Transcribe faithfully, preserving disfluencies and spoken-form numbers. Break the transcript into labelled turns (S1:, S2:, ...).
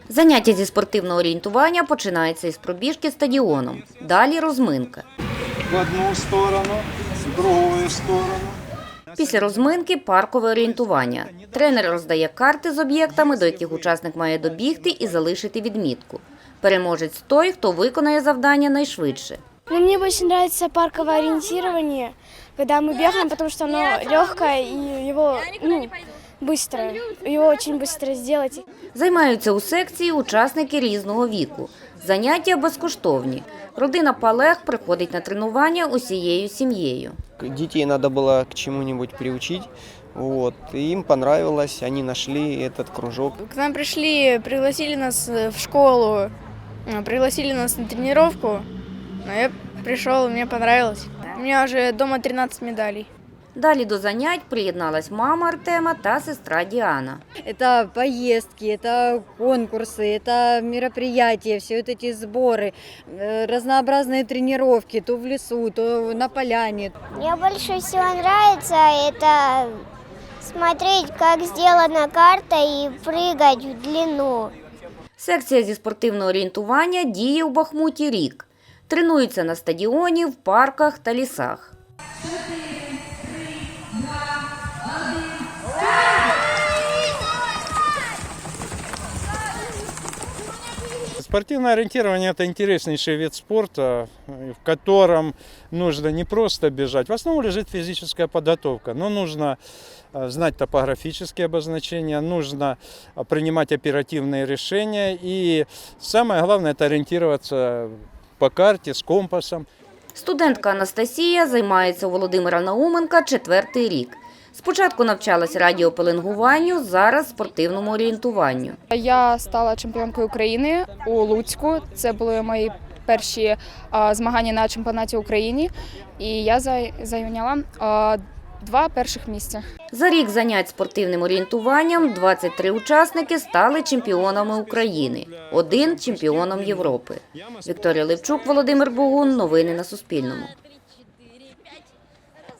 S1: Заняття зі спортивного орієнтування починається із пробіжки стадіоном. Далі розминка.
S2: В одну сторону, в другу сторону.
S1: Після розминки – паркове орієнтування. Тренер роздає карти з об'єктами, до яких учасник має добігти і залишити відмітку. Переможець – той, хто виконає завдання найшвидше.
S3: Ну, мне больше нравится парковое ориентирование, когда мы бегаем, потому что оно легкое и его ну, быстро, его очень быстро сделать.
S1: Займаються у секції учасники різного віку. Заняття безкоштовні. Родина Палех приходить на тренування усією сім'єю.
S4: Детей надо было к чему-нибудь приучить. Вот. И им понравилось, они нашли этот кружок.
S3: К нам пришли, пригласили нас в школу, пригласили нас на тренировку. Но я пришел, мне понравилось. У меня уже дома тринадцать медалей.
S1: Далі до занять приєдналась мама Артема та сестра Діана.
S5: Это поездки, это конкурсы, это мероприятия, все вот эти сборы, э, разнообразные тренировки, то в лесу, то на поляне.
S6: Мне больше всего нравится это смотреть, как сделана карта и прыгать в длину.
S1: Секція зі спортивного орієнтування діє у Бахмуті рік. Тренуються на стадіоні, в парках та лісах.
S2: Спортивное ориентирование – это интереснейший вид спорта, в котором нужно не просто бежать. В основу лежит физическая подготовка, но нужно знать топографические обозначения, нужно принимать оперативные решения и самое главное – это ориентироваться по карте з компасом.
S1: Студентка Анастасія займається у Володимира Науменка четвертий рік. Спочатку навчалась радіопеленгуванню, зараз спортивному орієнтуванню.
S7: Я стала чемпіонкою України у Луцьку. Це були мої перші а, змагання на чемпіонаті України. І я зайняла а, два перших місця.
S1: За рік занять спортивним орієнтуванням двадцять три учасники стали чемпіонами України, один – чемпіоном Європи. Вікторія Левчук, Володимир Богун. Новини на Суспільному.